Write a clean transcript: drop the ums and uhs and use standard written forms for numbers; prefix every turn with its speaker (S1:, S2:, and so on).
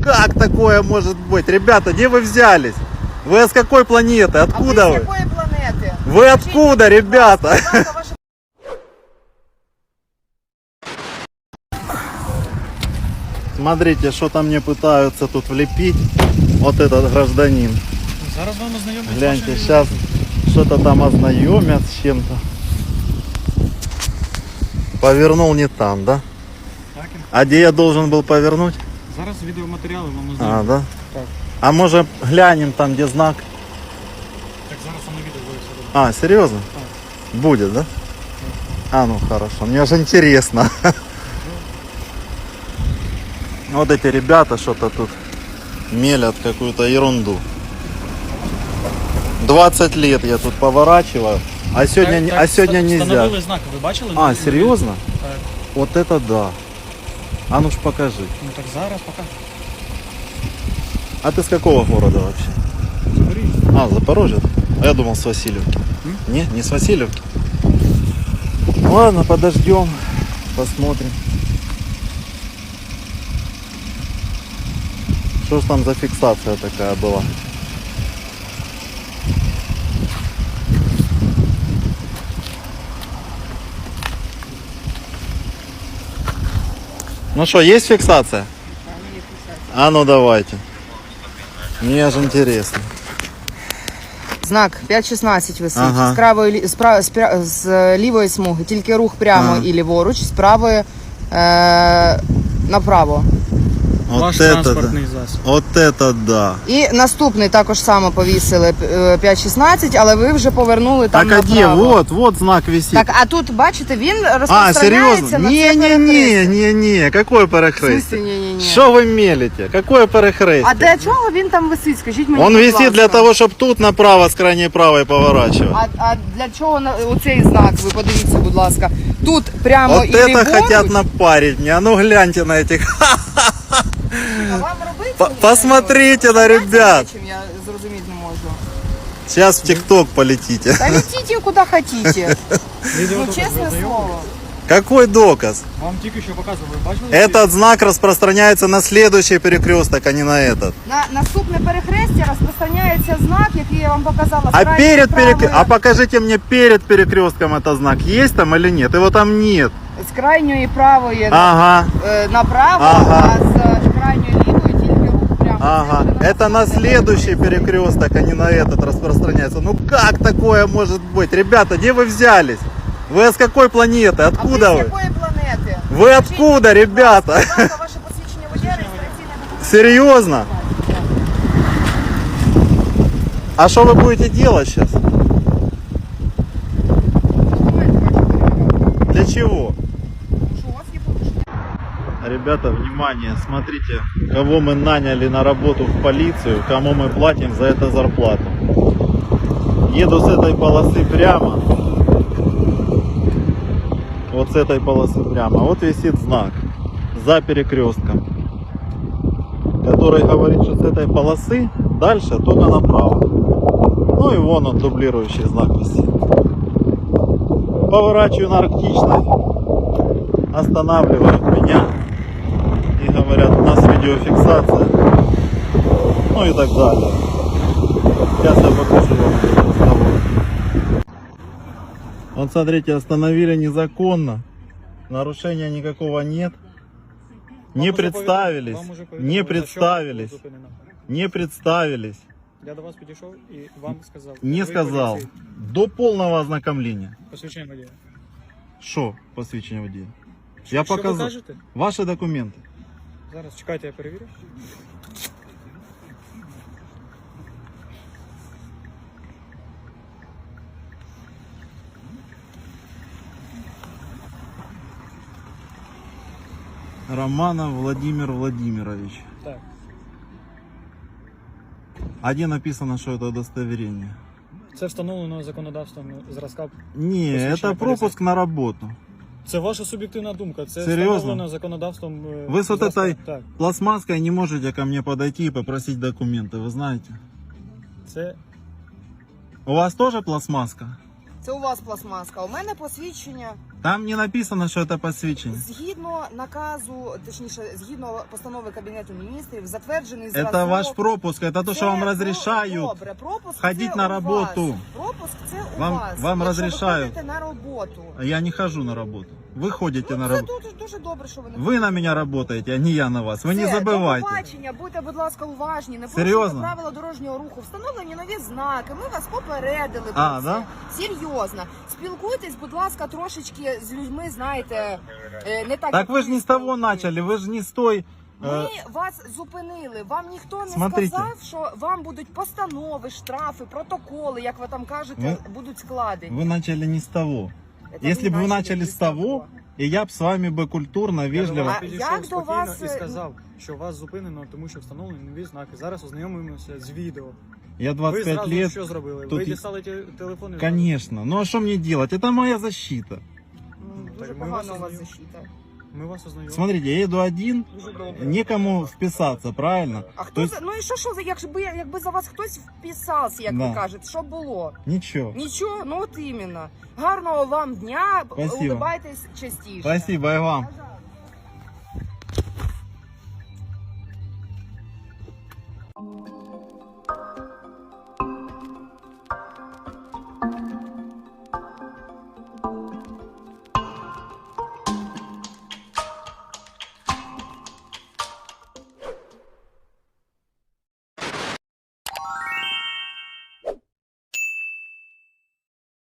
S1: как такое может быть? Ребята, где вы взялись? Вы с какой планеты? Откуда вы?
S2: С какой планеты?
S1: Вы откуда, ребята? Смотрите, что-то мне пытаются тут влепить. Вот этот гражданин.
S3: Зараз вам ознайомлять.
S1: Гляньте, сейчас что-то там ознакомят с чем-то. Повернул не там, да?
S3: Так,
S1: А где я должен был повернуть?
S3: зараз відеоматеріали вам
S1: А,
S3: ознайомлять.
S1: да?
S3: Так.
S1: А может глянем там, где знак?
S3: Так, зараз саме відео буде все добре.
S1: А, серьезно?
S3: Так.
S1: Будет, да? А, ну хорошо, мне же интересно. Вот эти ребята что-то тут мелят какую-то ерунду. 20 лет я тут поворачиваю, а сегодня,
S3: Так,
S1: сегодня нельзя.
S3: Встановили знак, ви бачили?
S1: А, серьезно?
S3: Так.
S1: Вот это да. А ну ж покажи.
S3: Ну так зараз покажу.
S1: А ты с какого города вообще?
S3: Запоріжжя.
S1: А, Запорожье? А я думал с Васильевки. Не, не с Васильевки. Ладно, подождем, посмотрим. Что ж там за фиксация такая была? Ну что, есть фиксация? А ну давайте. Мне же интересно.
S2: Знак 5.16 висить.
S1: Ага.
S2: З правої, з лівої смуги тільки рух прямо
S1: Ага.
S2: і ліворуч, з правої направо.
S1: Вот
S3: Ваш
S1: это
S3: транспортний
S1: да.
S3: засіб.
S1: Вот это да.
S2: І наступний також само повісили 5.16, але ви вже повернули там
S1: Так а где?
S2: направо.
S1: Вот знак висит.
S2: Так, а тут, бачите, він
S1: А,
S2: розпространяється
S1: серьезно?
S2: на це перехрестя.
S1: Не-не-не, какое
S2: В
S1: перехрестие?
S2: смысле ні-ні-ні?
S1: Что вы мелите? Какое перехрестие?
S2: А для чого він там висить? Скажіть мені,
S1: Он
S2: будь
S1: висит для
S2: ласка.
S1: того, чтобы тут направо с крайней правой поворачивать.
S2: А для чого оцей знак? Ви подивіться, будь ласка. Тут прямо
S1: Вот
S2: і
S1: это
S2: ліворуч.
S1: хотят напарить мне. А ну гляньте на этих.
S2: А вам робити?
S1: Посмотрите на ребят.
S2: Чим я зрозуміти не можу.
S1: Сейчас в ТикТок полетите.
S2: Та летите куди хотите.
S3: Відео
S2: Ну,
S3: добре,
S2: чесне
S3: ви ознайомлені?
S2: слово.
S1: Какой доказ?
S3: Вам тільки що показували, ви бачили?
S1: Этот знак распространяется на следующий перекресток, а не на этот.
S2: На наступне перехрестя розпространяється знак, який я вам показала. з
S1: А
S2: крайньої
S1: перед
S2: правої-
S1: а покажите мне перед перекрестком этот знак. Есть там или нет? Его там нет.
S2: З крайньої правої
S1: Ага.
S2: направо,
S1: Ага.
S2: а з крайньої лівої тільки рух прямо.
S1: Ага. Это на следующий перекресток, а не на этот распространяется. Ну как такое может быть? Ребята, где вы взялись? Вы с какой планеты?
S2: А
S1: Откуда
S2: ви з
S1: вы?
S2: якої планети?
S1: Вы откуда, ребята?
S2: Будь ласка, ваше посвідчення водія, реєстраційне документ.
S1: Серьезно? А что вы будете делать сейчас? Для чего?
S2: Що у вас є порушення?
S1: Ребята, внимание, смотрите, кого мы наняли на работу в полицию, кому мы платим за это зарплату. Еду с этой полосы прямо. Вот с этой полосы прямо. Вот висит знак за перекрестком, который говорит, что с этой полосы дальше только направо. Ну и вон он, дублирующий знак висит. Поворачиваю на Арктичной, останавливают меня и говорят, у нас видеофиксация, ну и так далее. Сейчас я покажу вам этот разговор. Вот смотрите, остановили незаконно, нарушения никакого нет, не
S3: Вам уже
S1: представились,
S3: вам уже
S1: не
S3: повідомили, за що
S1: представились,
S3: було зупинено.
S1: не представились,
S3: Я до вас підійшов і вам сказав.
S1: не
S3: ви
S1: сказал,
S3: поліції.
S1: до полного ознакомления.
S3: Посвідчення водія.
S1: Что посвящение водія? Я
S3: Що ви
S1: показал.
S3: кажете?
S1: Ваши документы.
S3: Зараз чекайте, я перевірю.
S1: Романов Владимир Владимирович.
S3: Так.
S1: А где написано, что это удостоверение?
S3: Це встановлено законодавством зразка.
S1: Не,
S3: Посвящение
S1: это пропуск на работу.
S3: Це ваша суб'єктивна думка. Це
S1: Серйозно?
S3: встановлено законодавством.
S1: Вы с вот
S3: зразка.
S1: этой
S3: Так.
S1: пластмасской не можете ко мне подойти и попросить документы, вы знаете?
S3: Це
S1: У вас тоже пластмаска?
S2: Це у вас пластмаска, у мене посвідчення.
S1: Там не написано, что это посвящение.
S2: Згідно наказу, точніше, згідно постанови Кабінету міністрів, затверджений зразок...
S1: Это ваш пропуск, это то, что вам разрешают.
S2: Добре, пропуск
S1: ходить
S2: це
S1: на
S2: у
S1: работу.
S2: вас. Пропуск це у
S1: Вам-
S2: вас.
S1: вам
S2: Якщо
S1: разрешают.
S2: ви ходите на роботу.
S1: А я не хожу на работу. Вы ходите на
S2: Це
S1: работу.
S2: дуже добре, що ви не
S1: Вы на меня работаете, а не я на вас. Вы не
S2: Все, До
S1: забывайте.
S2: побачення, будьте, будь ласка, уважні, не
S1: Серйозно?
S2: порушуйте правила дорожнього руху, встановлені нові знаки, ми вас попередили про
S1: А,
S2: це.
S1: да?
S2: Серйозно. Спілкуйтесь, будь ласка, трошечки з людьми, знаєте, не так.
S1: Так
S2: як
S1: вы же не с того
S2: спілкуєтесь.
S1: начали, вы же не с той...
S2: Ми вас зупинили. Вам ніхто не
S1: Смотрите.
S2: сказав, що вам будуть постанови, штрафи, протоколи, як ви там кажете, будуть складені.
S1: Вы начали не с того.
S2: Це
S1: Если бы вы начали
S2: не
S1: с того, и я бы с вами бы культурно,
S3: Я до
S1: вежливо...
S3: вас
S2: А
S3: підійшов
S2: як до
S3: спокійно
S2: вас,
S3: і сказав, що вас зупинено, тому що встановлені нові знаки. Зараз ознайомимося з відео.
S1: Я
S3: Ви
S1: 25
S3: зразу
S1: лет...
S3: що зробили?
S1: тут
S3: Ви
S1: і-
S3: дістали телефон і
S1: Конечно. Ну а что мне делать? Это моя защита.
S2: Дуже
S3: Так, ми вас
S2: погано у вас
S3: ознайом-
S2: защита.
S3: ми вас ознайомили.
S1: Смотрите, я еду один,
S2: Дуже добре.
S1: некому вписаться, правильно?
S2: А хто
S1: То есть
S2: за ну і що якби за вас хтось вписався, як
S1: Да.
S2: ви кажете, що було?
S1: ничего.
S2: Нічого, ну от іменно. Гарного вам дня,
S1: Спасибо.
S2: улибайтесь частіше.
S1: Спасибо и вам.
S2: Бажаю.